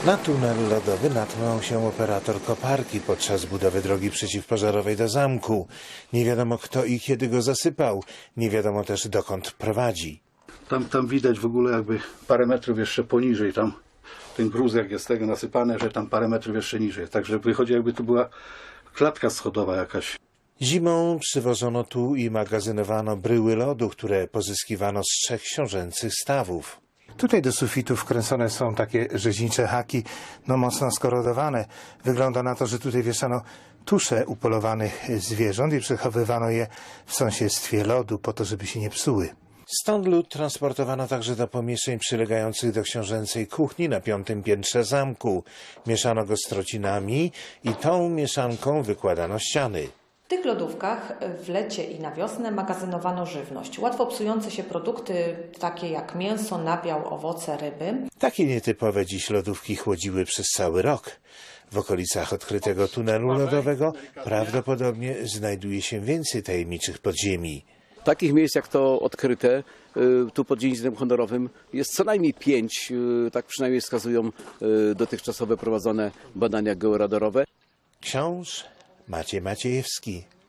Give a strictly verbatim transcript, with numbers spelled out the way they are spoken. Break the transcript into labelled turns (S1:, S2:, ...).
S1: Na tunel lodowy natknął się operator koparki podczas budowy drogi przeciwpożarowej do zamku. Nie wiadomo kto i kiedy go zasypał. Nie wiadomo też dokąd prowadzi.
S2: Tam, tam widać w ogóle jakby parę metrów jeszcze poniżej. Tam ten gruz jak jest tego nasypany, że tam parę metrów jeszcze niżej. Także wychodzi jakby tu była klatka schodowa jakaś.
S1: Zimą przywożono tu i magazynowano bryły lodu, które pozyskiwano z trzech książęcych stawów. Tutaj do sufitu wkręcone są takie rzeźnicze haki, no mocno skorodowane. Wygląda na to, że tutaj wieszano tusze upolowanych zwierząt i przechowywano je w sąsiedztwie lodu po to, żeby się nie psuły. Stąd lód transportowano także do pomieszczeń przylegających do książęcej kuchni na piątym piętrze zamku. Mieszano go z trocinami i tą mieszanką wykładano ściany.
S3: W tych lodówkach w lecie i na wiosnę magazynowano żywność. Łatwo psujące się produkty, takie jak mięso, nabiał, owoce, ryby.
S1: Takie nietypowe dziś lodówki chłodziły przez cały rok. W okolicach odkrytego tunelu lodowego prawdopodobnie znajduje się więcej tajemniczych podziemi.
S4: Takich miejsc jak to odkryte tu pod dziedzictwem honorowym jest co najmniej pięć, tak przynajmniej wskazują dotychczasowe prowadzone badania georadorowe.
S1: Książ Maciej Maciejewski.